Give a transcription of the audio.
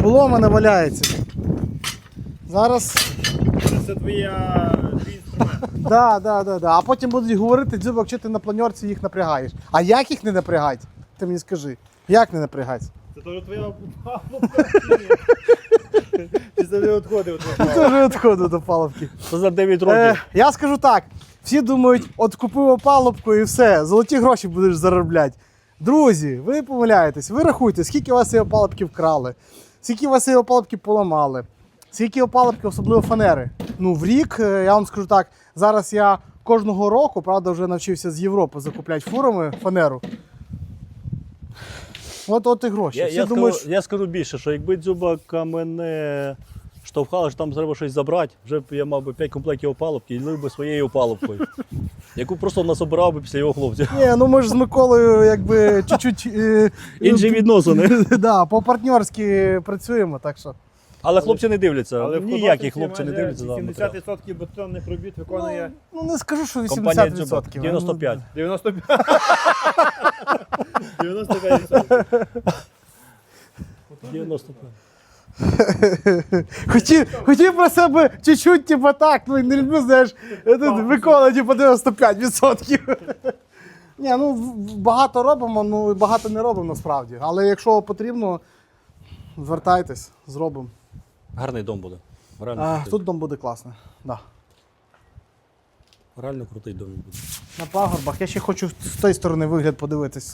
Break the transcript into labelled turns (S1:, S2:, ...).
S1: було, в мене валяється. Зараз.
S2: Це твій інструмент.
S1: Да. А потім будуть говорити, Дзюбок, що ти на планерці їх напрягаєш. А як їх не напрягати? Ти мені скажи. Як не напрягати?
S2: Це теж твоя палубка. Ти завжди відходив.
S1: Дуже відходу до палубки.
S3: Це за 9 років.
S1: Я скажу так, всі думають, от купив опалубку і все, золоті гроші будеш заробляти. Друзі, ви помиляєтесь, ви рахуйте, скільки у вас цієї опалубки вкрали, скільки у вас цієї опалубки поламали, скільки опалубки, особливо фанери. Ну, в рік, я вам скажу так, зараз я кожного року, правда, вже навчився з Європи закупляти фурами фанеру. От і гроші.
S3: Я скажу більше, що якби Дзюбака мене штовхали, що там треба щось забрати, вже б я мав би 5 комплектів опалубки і лив би своєю опалубкою, яку просто насобирав би після його хлопців.
S1: Ні, ну ми ж з Миколою якби чуть-чуть...
S3: Інші відносини.
S1: Да, по-партнерськи працюємо, так що...
S3: Але хлопці не дивляться,
S2: Але в
S3: ніякі
S2: художниці
S3: хлопці не
S2: майже
S3: дивляться. за матеріал.
S2: 70% бетонних робіт виконує
S1: Ну не скажу, що 80%.
S3: Компанія Дзюбак, 95.
S2: 95. 95%.
S3: 95.
S1: Хотів про себе чуть-чуть, типу так, ну не люблю, знаєш, Микола, типу 95%. Ні, ну багато робимо, ну і багато не робимо насправді. Але якщо потрібно, звертайтесь, зробимо.
S3: Гарний дом буде. Реально крутий.
S1: Тут дом буде класний. Да.
S3: Реально крутий дом буде.
S1: На пагорбах. Я ще хочу з тієї сторони вигляд подивитись.